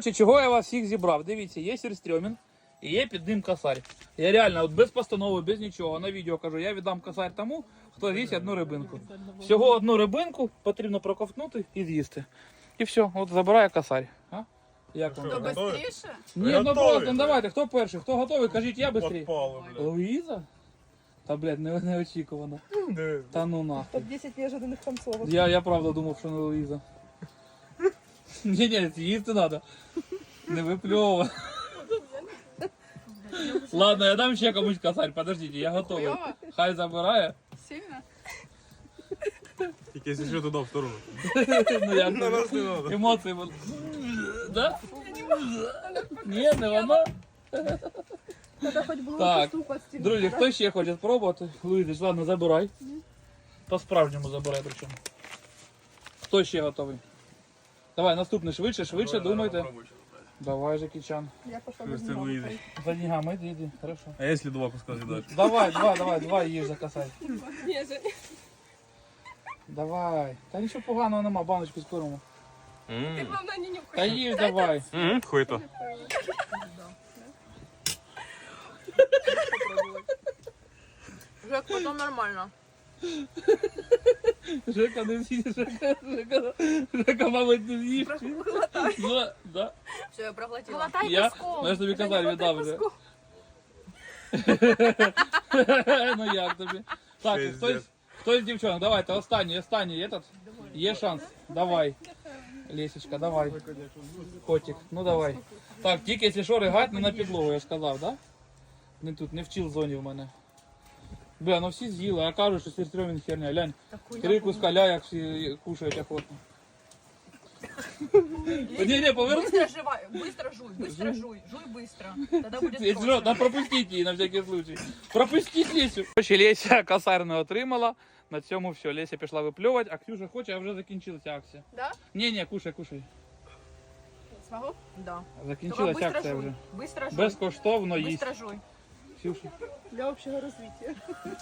Коротше, чого я вас всіх зібрав? Дивіться, є сюрстрьомінг і є під ним косарь. Я реально, от без постанови, без нічого, на відео кажу, я віддам косарь тому, хто з'їсть одну рибинку. Всього одну рибинку потрібно проковтнути і з'їсти. І все, от забирає косарь. А? Як вам? То таке? быстріше? Ні, ну Готові, просто, ну блядь. давайте, хто перший, хто готовий, кажіть я швидше. Подпали, блядь. Луїза? Та, блядь, неочікувано. Та ну нахуй. Топ-10 неожиданных концовок. Я правда думав, що не Луїза. Ні, їсти треба. Не випльовувати. Ладно, я дам ще комусь косарь, подождите, я готовий. Хуйово? Хай забирає. Сильно? Тільки якщо туди в сторону. Ну як На нас не надо. емоції були. Да? Ні, не вона. Надо хоть было Так, кусту подстелить. друзі, хто ще хоче спробувати? Луїзич, ладно, забирай. По-справжньому забирай причому. Хто ще готовий? Давай, наступний, швидше, думайте. Давай, Жекічан. Я пошла Це за Луїзич. За деньгами, иди, хорошо. А якщо два куска з'їдаєш? Давай, два їж за косарь. Давай. Та нічого поганого нема, баночку з корму. Ты, главное, не нюхай. Та їж давай. Хуй то. Жек, потом нормально. Жека не з'їсть, Жека, мабуть, не з'їсть. Ну, да. Все, я проглотила. Я, ну я ж тобі косарь віддав вже. Ну як тобі? Так, хтось з дівчонок, давайте, останній этот. Є шанс, давай. Лесечка, давай. Котик, ну давай. Так, тільки якщо що, ригать не на підлогу, я ж сказав, да? Не тут, не в чіл-зоні в мене. Бля, ну всі з'їли, а кажуть, що сюрстрьомінг херня. Глянь, 3 куска ляяк всі кушають охотно. Не, поверни. Быстро жуй, жуй быстро. Тогда будет Если что, проще. да пропустіть її на всякий случай. Пропустіть Лесю. Короче, Леся косарь не отримала. На цьому все. Леся пішла випльовувати, а Ксюша хоче, а вже закінчилася акція. Да? Ні, кушай. Смогу? Да. Закінчилася Только быстро акція жуй. вже. Быстро жуй. Безкоштовно їсть. Быстро жуй. Ксюша. Для общего развития.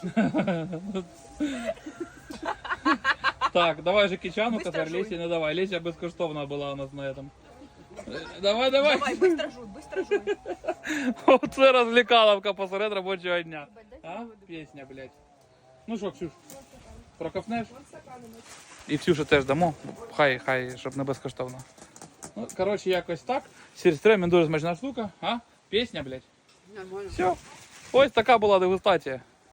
Так, давай же Кичану Быстро косарь, жуй. Леся не давай. Леся безкоштовна була у нас на этом. Давай. Давай, быстро жуй. Оце розвлікаловка посеред робочого дня. А? Пісня, блядь. Ну що, Ксюш, проковтнеш? І Ксюша теж дамо. Хай, щоб не безкоштовно. Ну, коротше, якось так. Сюрстрьомінг дуже смачна штука. А? Пісня, блядь. Нормально. Все. Ось така була дегустація.